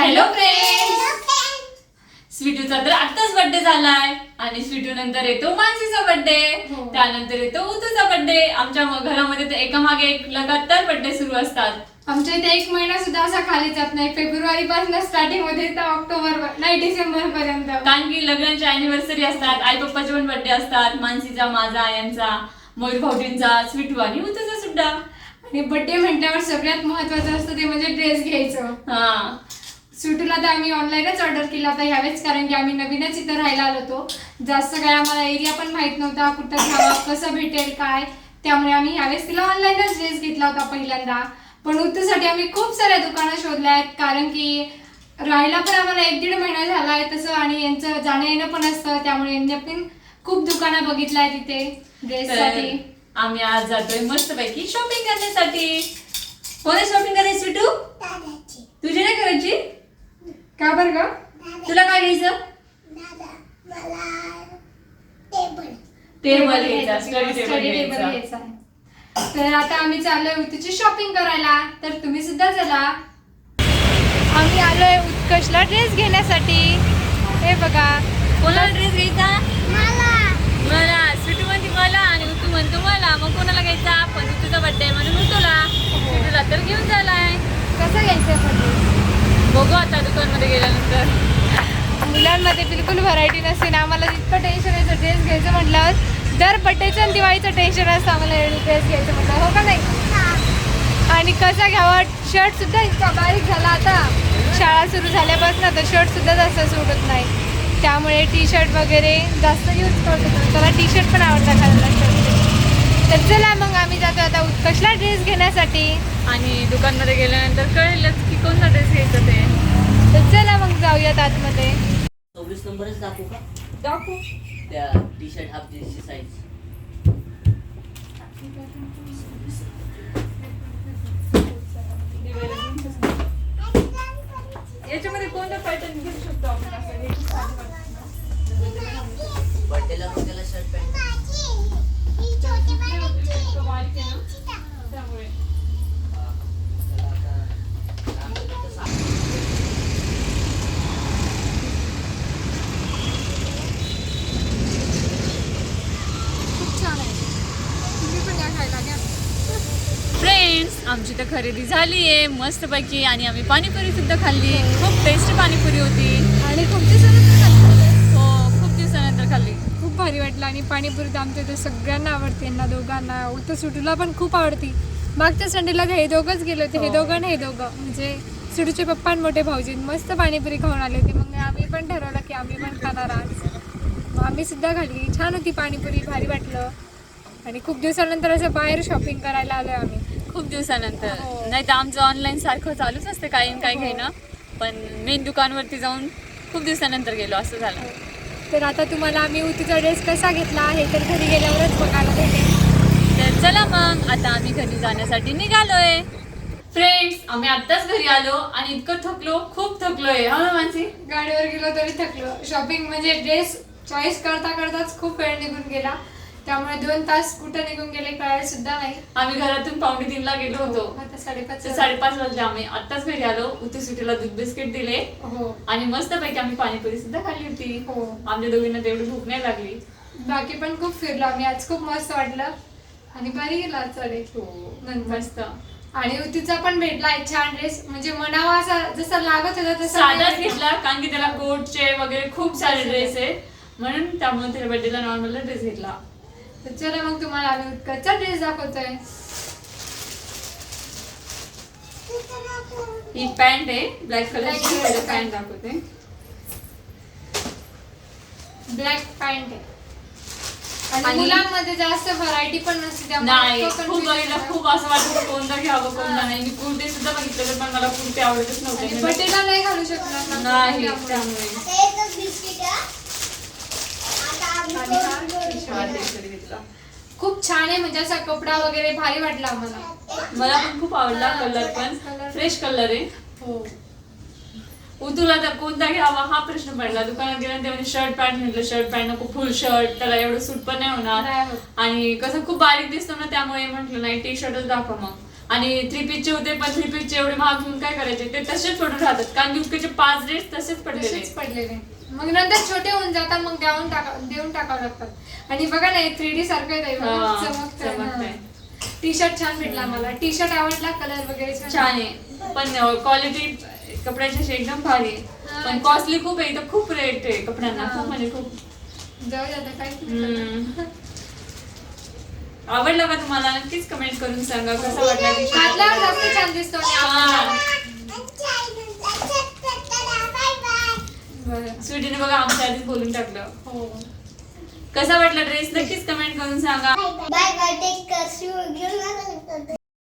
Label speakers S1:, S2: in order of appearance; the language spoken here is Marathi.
S1: हॅलो फ्रेंड्स, स्वीटूचा तर आताच बर्थडे झालाय आणि स्वीटू नंतर येतो मानसीचा बर्थडे, त्यानंतर येतो उतूचा बर्थडे. आमच्या घरामध्ये तर एकामागे एक लगातार बर्थडे सुरू असतात.
S2: आमच्या इथे एक महिना सुद्धा असा खाली जात नाही. फेब्रुवारी पासून स्टार्टिंग मध्ये तर ऑक्टोबर नाही डिसेंबर पर्यंत,
S1: कारण की लग्नाच्या अॅनिव्हर्सरी असतात, आई पप्पाचे पण बर्थडे असतात, मानसीचा, माझा, यांचा, मयूर भाऊजींचा, स्वीटू आणि उतूचा सुद्धा.
S2: आणि बर्थडे म्हटल्यावर सगळ्यात महत्वाचं असतं ते म्हणजे ड्रेस घ्यायचं.
S1: हा,
S2: स्वीटूला तर आम्ही ऑनलाईनच ऑर्डर केला होता ह्यावेळेस, कारण की आम्ही नवीनच इथं राहायला आलो होतो. जास्त काय आम्हाला एरिया पण माहित नव्हता, कुठं घ्यावा, कसं भेटेल काय, त्यामुळे आम्ही ह्यावेळेस तिला ऑनलाईनच ड्रेस घेतला होता पहिल्यांदा. पण उतूसाठी आम्ही खूप साऱ्या दुकानं शोधल्या आहेत, कारण की राहायला पण आम्हाला 1-1.5 महिना झाला आहे तसं, आणि यांचं जाणं येणं पण असतं, त्यामुळे यांनी पण खूप दुकानं बघितल्या आहेत इथे ड्रेससाठी.
S1: आम्ही आज जातोय मस्तपैकी शॉपिंग करण्यासाठी. कोणा शॉपिंग करायची स्वीटू? तुझी नाही करायची
S2: का बरं ग?
S1: तुला काय घ्यायचं? टेबल घ्यायचा, स्टडी टेबल घ्यायचा.
S2: घ्यायचा. तर आता आम्ही चाललोय उतूची शॉपिंग करायला, तर तुम्ही सुद्धा चला. आम्ही आलोय उत्कर्षला ड्रेस घेण्यासाठी. हे बघा,
S1: कोणाला ड्रेस घ्यायचा? मला. स्वीटू म्हणते मला आणि उतू म्हणतो मला. मग कोणाला घ्यायचा? पण उतूचा बर्थडे म्हणून उतूला. स्वीटूला तर घेऊन झालाय.
S2: कसं घ्यायचं पण
S1: बघू आता दुकानमध्ये गेल्यानंतर.
S2: मुलांमध्ये बिलकुल व्हरायटी नसते ना. आम्हाला इतकं टेन्शन यायचं ड्रेस घ्यायचं म्हटल्यावर. दर बड्डेचं आणि दिवाळीचं टेन्शन असतं आम्हाला ड्रेस घ्यायचं म्हटलं, हो का नाही? आणि कसा घ्यावा, शर्ट सुद्धा इतका बारीक झाला आता शाळा सुरू झाल्यापासून, तर शर्ट सुद्धा जास्त सुटत नाही, त्यामुळे टी शर्ट वगैरे जास्त यूज करतो. त्याला टी शर्ट पण आवडतं घालायला, शर्ट. तर चला मग आम्ही जातो आता उत्कर्षला ड्रेस घेण्यासाठी.
S1: आणि दुकानमध्ये गेल्यानंतर कळेलच की कोणता ड्रेस घ्यायचा ते.
S2: तर चला मग जाऊयात आतमध्ये.
S3: 24 नंबरच दाखवू का?
S2: दाखवू.
S3: त्या टी शर्ट हाफ जीन्सची साईज.
S1: याच्यामध्ये कोणता पॅटर्न घेऊ शकतो आपण?
S3: बर्थडेला मग त्याला शर्ट पॅन्ट.
S2: खूप छान आहे, तुम्ही पण या खायला घ्या.
S1: फ्रेंड्स, आमची तर खरेदी झाली आहे मस्तपैकी आणि आम्ही पाणीपुरी सुद्धा खाल्ली. खूप टेस्टी पाणीपुरी होती
S2: आणि खूप दिवसानंतर खाल्ली.
S1: हो, खूप दिवसानंतर खाल्ली.
S2: खूप भारी वाटलं. आणि पाणीपुरी तर आमच्या इथे सगळ्यांना आवडते, यांना दोघांना, उलट सुटूला पण खूप आवडती. मागच्या संडेला हे दोघंच गेले होते, हे दोघं आणि हे दोघं, म्हणजे सुटूचे पप्पा आणि मोठे भाऊजी मस्त पाणीपुरी खाऊन आले होते. मग आम्ही पण ठरवलं की आम्ही पण खाणार आज. मग आम्ही सुद्धा खाल्ली. छान होती पाणीपुरी, भारी वाटलं. आणि खूप दिवसानंतर असं बाहेर शॉपिंग करायला आलोय आम्ही.
S1: खूप दिवसानंतर.
S2: हो.
S1: नाही तर आमचं ऑनलाईन सारखं चालूच असतं काही न काही घेणं, पण मेन दुकानवरती जाऊन खूप दिवसानंतर गेलो असं झालं.
S2: तर आता तुम्हाला आम्ही उतीचा ड्रेस कसा घेतला हे तर घरी गेल्यावरच बघायला भेटेल.
S1: तर चला मग आता आम्ही घरी जाण्यासाठी निघालोय. फ्रेंड्स, आम्ही आत्ताच घरी आलो आणि इतकं थकलो, खूप थकलोय. हा ना मानसी?
S2: गाडीवर गेलो तरी थकलो. शॉपिंग म्हणजे ड्रेस चॉईस करता करताच खूप वेळ निघून गेला, त्यामुळे 2 तास कुठं निघून गेले कळायला सुद्धा नाही.
S1: आम्ही घरातून 2:45ला गेलो होतो.
S2: आता 5:30
S1: 5:30 वाजले. आम्ही आत्ताच घरी आलो. उतू सुटीला दूध बिस्किट दिले
S2: हो
S1: आणि मस्तपैकी आम्ही पाणीपुरी सुद्धा खाल्ली होती.
S2: हो.
S1: आमच्या दोघींना तेवढी भूक नाही लागली.
S2: बाकी पण खूप फिरलो आम्ही आज, खूप मस्त वाटलं आणि भारी गेला आजचा डे. नंतर
S1: मस्त
S2: आणि उतीचा पण भेटला एक छान ड्रेस, म्हणजे मनावा असा जसा लागत होता तसा
S1: साधाच घेतला, कारण की त्याला कोटचे वगैरे खूप सारे ड्रेस आहे, म्हणून त्यामुळे त्याला बर्थडेला नॉर्मल ड्रेस घेतला.
S2: तर चला मग तुम्हाला आम्ही उत्कर्षचा ड्रेस दाखवतोय.
S1: ही पॅन्ट आहे ब्लॅक कलरची,
S2: Black color
S1: पॅन्ट दाखवते.
S2: ब्लॅक पॅन्ट आहे. आणि
S1: आणि-
S2: मुलांमध्ये जास्त व्हरायटी पण नसते, त्यामुळे
S1: नाही,
S2: इतकं
S1: खूप
S2: confusion
S1: बघितलं,
S2: होतं.
S1: खूप असं वाटतं कोणतं घ्यावं कोणतं नाही. मी कुर्ते सुद्धा बघितले पण मला कुर्ते आवडतच
S2: आणि
S1: नव्हते.
S2: बर्थडेला नाही घालू शकणार ना.
S1: नाही,
S2: त्यामुळे.
S1: त्यामुळे
S2: आणि हा
S1: हा t-shirt घेतला.
S2: खूप छान आहे, म्हणजे असा कपडा वगैरे भारी वाटला आम्हाला.
S1: मला पण खूप आवडला. कलर पण फ्रेश कलर आहे.
S2: हो.
S1: उतूला तर कोणता घ्यावा हा प्रश्न पडला. दुकानात गेल्यानंतर म्हणजे शर्ट पॅन्ट म्हटलं, शर्ट पॅन्ट नको, फुल शर्ट, त्याला एवढं सूट पण नाही होणार
S2: नाही होत.
S1: आणि कसं खूप बारीक दिसतो ना, त्यामुळे म्हटलं नाही टी शर्टच दाखवा. आणि 3 पीसचे होते, पण 3 पीसचे एवढे महाग घेऊन काय करायचे, ते तसेच पडून राहतात कारण युकेचे 5 ड्रेस तसेच पडलेले
S2: तसेच पडलेले. मग नंतर छोटे होऊन जातात, मग देऊन टाकावं लागतात. आणि बघा ना 3D सारखं आहे,
S1: चमकतंय.
S2: टी शर्ट छान भेटला मला. टी शर्ट आवडला, कलर वगैरे
S1: छान आहे, पण क्वालिटी कपड्याची अशी एकदम भारी आहे,
S2: हा,
S1: पण कॉस्टली खूप आहे इथं, खूप रेट आहे कपड्यांना,
S2: हा.
S1: खूप म्हणजे खूप.
S2: जाऊ द्या आता, काहीच नाही करणार.
S1: आवडलं का तुम्हाला? नक्कीच कमेंट करून सांगा कसा वाटला t-shirt.
S2: घातल्यावर जास्त छान दिसतो आणि आपल्याला. बरं.
S1: स्वीटीने बघा आमच्या आधीच बोलून टाकलं.
S2: हो.
S1: कसा वाटला ड्रेस नक्कीच कमेंट करून सांगा.
S4: Bye bye, take care.